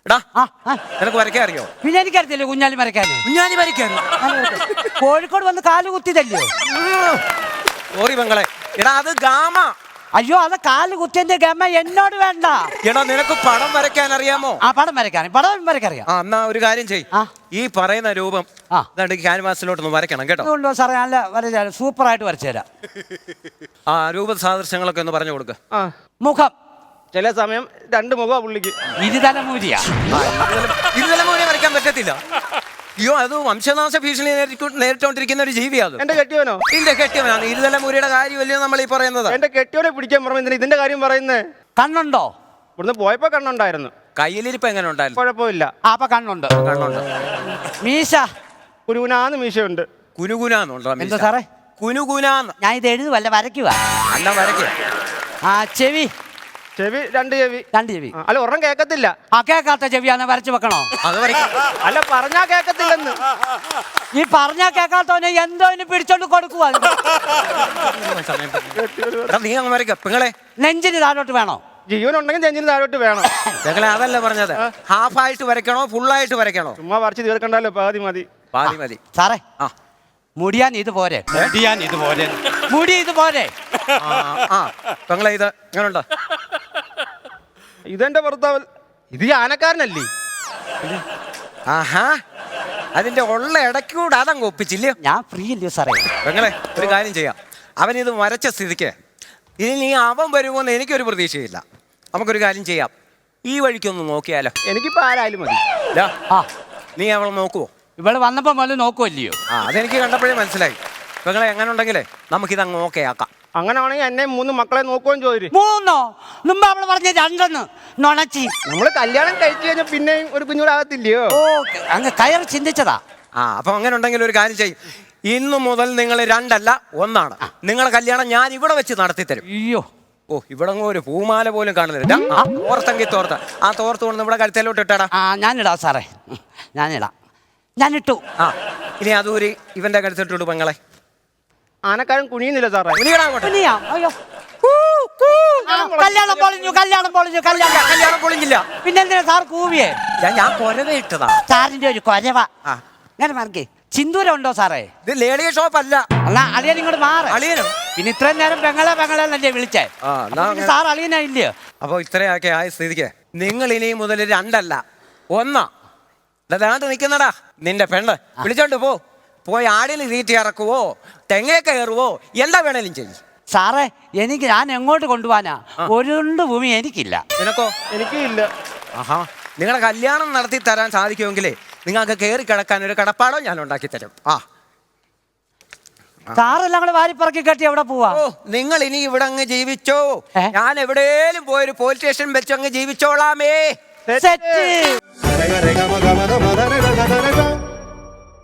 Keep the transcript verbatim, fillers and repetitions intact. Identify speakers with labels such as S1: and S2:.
S1: എടാ നിനക്ക് വരയ്ക്കാൻ അറിയോ?
S2: പിന്നെ എനിക്കറിയത്തില്ല കുഞ്ഞാലി വരയ്ക്കാൻ.
S1: കുഞ്ഞാലി വരയ്ക്കാനോ?
S2: കോഴിക്കോട് വന്ന് കാല് കുത്തിയതല്ലോ.
S1: സോറി പെങ്ങളെ. എടാ അത് ഗാമ.
S2: അയ്യോ അത് കാല് കുത്തിയതിന്റെ ഗമ എന്നോട് വേണ്ട.
S1: എടാ നിനക്ക് പടം വരയ്ക്കാൻ അറിയാമോ?
S2: ആ പടം വരയ്ക്കാൻ പടം വരയ്ക്കറിയാം.
S1: ആ എന്നാ ഒരു കാര്യം ചെയ്. ഈ പറയുന്ന രൂപം ക്യാൻവാസിലോട്ടൊന്ന് വരയ്ക്കണം കേട്ടോ.
S2: സാറേ നല്ല വരച്ച സൂപ്പർ ആയിട്ട് വരച്ചു തരാം.
S1: ആ രൂപ സാദൃശ്യങ്ങളൊക്കെ ഒന്ന് പറഞ്ഞു കൊടുക്ക.
S2: മുഖം
S3: ചില സമയം രണ്ട് മുഖം പുള്ളിക്ക്.
S2: ഇരുതലമൂരിയാ.
S1: ഇരുതലമൂരി വരയ്ക്കാൻ പറ്റത്തില്ല. അയ്യോ അത് വംശനാശ ഭീഷണി നേരിട്ടോണ്ടിരിക്കുന്ന ഒരു ജീവിയാണ്.
S3: എന്റെ കെട്ടിയോനോ?
S1: ഇതിന്റെ കെട്ടിയവനാണ്. ഇരുതലമൂരിയുടെ കാര്യമല്ലേ നമ്മൾ ഈ പറയുന്നത്.
S3: എന്റെ കെട്ടിയോനെ പിടിക്കാൻ പറഞ്ഞു ഇതിന്റെ കാര്യം പറയുന്നേ.
S2: കണ്ണുണ്ടോ?
S3: ഇവിടുന്ന് പോയപ്പോ കണ്ണുണ്ടായിരുന്നു.
S1: കയ്യിലിരിപ്പ് എങ്ങനെ ഉണ്ടായിരുന്നു?
S3: കുഴപ്പമില്ല.
S2: ആ അപ്പൊ കണ്ണുണ്ട്.
S1: കണ്ണുണ്ട്.
S2: മീശ
S3: കുനുകുനാന്ന് മീശയുണ്ട്.
S1: കുനുകുനാന്നുണ്ടോ?
S2: എന്താ സാറേ?
S1: കുനുകുനാന്ന്.
S2: ഞാൻ ഇത് എഴുതുവല്ല വരയ്ക്കുക.
S1: അല്ല വരയ്ക്കുക.
S2: ആ ചെവി
S3: ചെവി രണ്ട് ചെവി.
S2: രണ്ട് ചെവി.
S3: അല്ല ഒരെണ്ണം കേക്കത്തില്ല.
S2: ആ കേക്കാത്ത ചെവിയാന്ന് വരച്ചു വെക്കണോ?
S1: അത് വരയ്ക്കും.
S3: അല്ല പറഞ്ഞാ കേക്കത്തില്ലെന്ന്.
S2: ഈ പറഞ്ഞാ കേക്കാത്തവനെ എന്തോ ഇനി പിടിച്ചോണ്ട് കൊടുക്കുവാ.
S1: നീ അങ്ങ് വരയ്ക്ക പെങ്ങളെ.
S2: നെഞ്ചിന് താഴോട്ട് വേണോ?
S3: ജീവനുണ്ടെങ്കിൽ നെഞ്ചിന് താഴോട്ട് വേണം.
S1: പെങ്ങളെ അതല്ല പറഞ്ഞത്. ഹാഫായിട്ട് വരയ്ക്കണോ ഫുള്ളായിട്ട് വരയ്ക്കണോ?
S3: ചുമ്മാ വരച്ച് തീർക്കണ്ടല്ലോ. പാതി മതി.
S1: പാതി മതി.
S2: സാറേ
S1: ആ
S2: മുടിയാൻ ഇത് പോരെ. മുടിയാൻ ഇത് പോരെ. മുടി ഇത് പോരെ.
S1: ആ പെങ്ങളെ ഇത് എങ്ങനെയുണ്ടോ?
S3: ഇതെന്റെ ഭർത്താവ്. ഇത് ഈ ആനക്കാരനല്ലേ?
S1: ആഹാ അതിന്റെ ഉള്ള ഇടയ്ക്കൂടെ അതങ്ങ് ഒപ്പിച്ചില്ലേ?
S2: ഞാൻ ഫ്രീ അല്ലയോ സാറേ.
S1: പെങ്ങളെ ഒരു കാര്യം ചെയ്യാം. അവനിത് വരച്ച സ്ഥിതിക്ക് ഇനി നീ അവൻ വരുമോന്ന് എനിക്കൊരു പ്രതീക്ഷയില്ല. നമുക്കൊരു കാര്യം ചെയ്യാം. ഈ വഴിക്കൊന്ന് നോക്കിയാലോ?
S3: എനിക്കിപ്പോ ആരായാലും മതി.
S2: ആ
S1: നീ അവളെ നോക്കുവോ?
S2: ഇവിടെ വന്നപ്പോ മുതൽ നോക്കുമല്ലയോ?
S1: ആ അതെനിക്ക് കണ്ടപ്പോഴേ മനസ്സിലായി. പെങ്ങളെ എങ്ങനെ ഉണ്ടെങ്കിലേ നമുക്കിത് അങ്ങ് ഓക്കെ ആക്കാം.
S3: അങ്ങനെയാണെങ്കിൽ എന്നെ മൂന്ന് മക്കളെ നോക്കുകയും ചോദിച്ചു.
S2: മൂന്നോ? മുമ്പ് അവള് പറഞ്ഞ രണ്ടെന്ന് നൊണച്ചി.
S3: നമ്മള് കല്യാണം കഴിച്ചു കഴിഞ്ഞാൽ പിന്നെയും ഒരു കുഞ്ഞൂടാകത്തില്ലയോ?
S2: ഓ അങ്ങ് കയറി ചിന്തിച്ചതാ.
S1: ആ അപ്പൊ അങ്ങനെ ഉണ്ടെങ്കിൽ ഒരു കാര്യം ചെയ്യും. ഇന്നു മുതൽ നിങ്ങൾ രണ്ടല്ല ഒന്നാണ്. നിങ്ങളെ കല്യാണം ഞാൻ ഇവിടെ വെച്ച് നടത്തി തരും.
S2: അയ്യോ
S1: ഓ ഇവിടെ ഒരു പൂമാല പോലും കാണുന്നില്ല. തോർത്തെങ്കിൽ തോർത്ത ആ തോർത്ത് കൊണ്ട് ഇവിടെ കഴുത്തേലോട്ട് ഇട്ടാടാ.
S2: ആ ഞാനിടാം സാറേ, ഞാനിടാം. ഞാനിട്ടു.
S1: ആ ഇനി അതൂരി ഇവന്റെ കഴുത്തിട്ടു പെങ്ങളെ.
S3: ആനക്കാരൻ കുനിയുന്നില്ല സാറേ.
S2: കുനിയാം. അയ്യോ കല്യാണം പൊളിഞ്ഞു കല്യാണം പൊളിഞ്ഞു കല്യാണം
S1: കല്യാണം പൊളിഞ്ഞില്ല.
S2: പിന്നെന്തിനാ സാർ കൂവിയേ?
S1: ഞാൻ കൊരവ ഇട്ടതാ.
S2: സാറിന്റെ ഒരു കൊരവ. ഞാൻ മാർക്കേ സിന്ദൂരം ഉണ്ടോ സാറേ?
S1: ഇത് ലേഡിയ ഷോപ്പ് അല്ല.
S2: എന്നാ അളിയൻ ഇങ്ങോട്ട് മാറ്.
S1: അളിയനോ?
S2: പിന്നെ ഇത്രയും നേരം പെങ്ങളെ പെങ്ങളെ വിളിച്ചേ. സാർ അളിയനാ ഇല്ലയോ?
S1: അപ്പൊ ഇത്രയൊക്കെ ആയ സ്ഥിതിക്ക് നിങ്ങൾ ഇനി മുതൽ രണ്ടല്ല ഒന്നാ. അതാണ്ട് നിൽക്കുന്നടാ നിന്റെ പെണ്ണ്. വിളിച്ചോണ്ട് പോ. പോയി ആടിന് തീറ്റി ഇറക്കുവോ തെങ്ങേ കയറുവോ എന്താ വേണേലും ചെയ്യും.
S2: സാറേ എനിക്ക് ഞാൻ എങ്ങോട്ട് കൊണ്ടുപോവാനാ? ഒരുണ്ട് ഭൂമി എനിക്കില്ല.
S1: നിനക്കോ?
S3: എനിക്കും ഇല്ല.
S1: ആഹാ നിങ്ങളെ കല്യാണം നടത്തി തരാൻ സാധിക്കുമെങ്കിലേ നിങ്ങൾക്ക് കയറി കിടക്കാൻ ഒരു കടപ്പാടോ ഞാൻ ഉണ്ടാക്കി തരും. ആ
S2: സാറെല്ലാം കൂടെ വാരിപ്പറക്കി കെട്ടി എവിടെ പോവാ?
S1: ഓ നിങ്ങൾ ഇനി ഇവിടെ അങ്ങ് ജീവിച്ചോ. ഞാൻ എവിടെയും പോയൊരു പോലീസ് സ്റ്റേഷൻ വെച്ച് അങ്ങ് ജീവിച്ചോളാമേ.
S2: സെറ്റ്.